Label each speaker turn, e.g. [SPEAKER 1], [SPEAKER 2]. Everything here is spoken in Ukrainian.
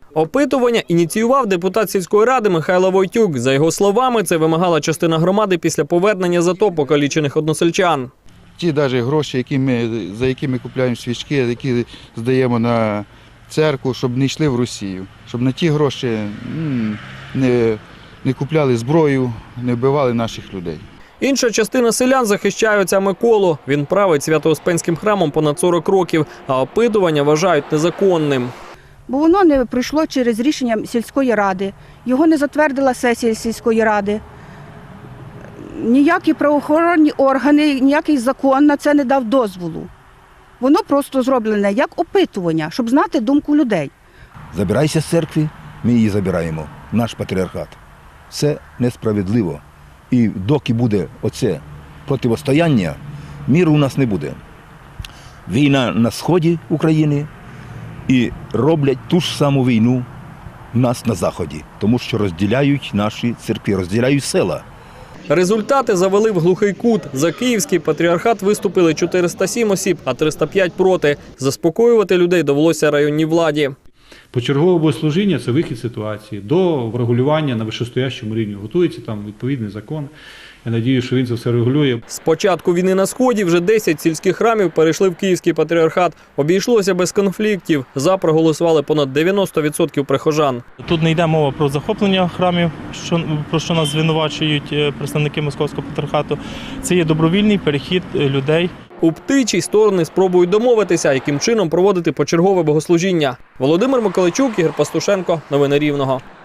[SPEAKER 1] Опитування ініціював депутат сільської ради Михайло Войтюк. За його словами, це вимагала частина громади після повернення з АТО покалічених односельчан.
[SPEAKER 2] Ті навіть гроші, за які ми купуємо свічки, які здаємо на церкву, щоб не йшли в Росію. Щоб на ті гроші не купляли зброю, не вбивали наших людей.
[SPEAKER 1] Інша частина селян захищає отця Миколу. Він править Свято-Успенським храмом понад 40 років, а опитування вважають незаконним.
[SPEAKER 3] Бо воно не пройшло через рішення сільської ради, його не затвердила сесія сільської ради. Ніякі правоохоронні органи, ніякий закон на це не дав дозволу. Воно просто зроблене як опитування, щоб знати думку людей.
[SPEAKER 4] Забирайся з церкви, ми її забираємо, наш патріархат. Це несправедливо. І доки буде оце протистояння, миру у нас не буде. Війна на сході України і роблять ту ж саму війну у нас на заході, тому що розділяють наші церкви, розділяють села.
[SPEAKER 1] Результати завели в глухий кут. За Київський патріархат виступили 407 осіб, а 305 проти. Заспокоювати людей довелося районній владі.
[SPEAKER 5] Почергове богослужіння – це вихід з ситуації. До врегулювання на вищостоящому рівні готується там відповідний закон. Я сподіваюся, що він це все регулює.
[SPEAKER 1] З початку війни на Сході вже 10 сільських храмів перейшли в Київський патріархат. Обійшлося без конфліктів. За проголосували понад 90% прихожан.
[SPEAKER 6] Тут не йде мова про захоплення храмів, про що нас звинувачують представники Московського патріархату. Це є добровільний перехід людей.
[SPEAKER 1] У Птичій сторони спробують домовитися, яким чином проводити почергове богослужіння. Володимир Миколайчук, Ігор Пастушенко. Новини Рівного.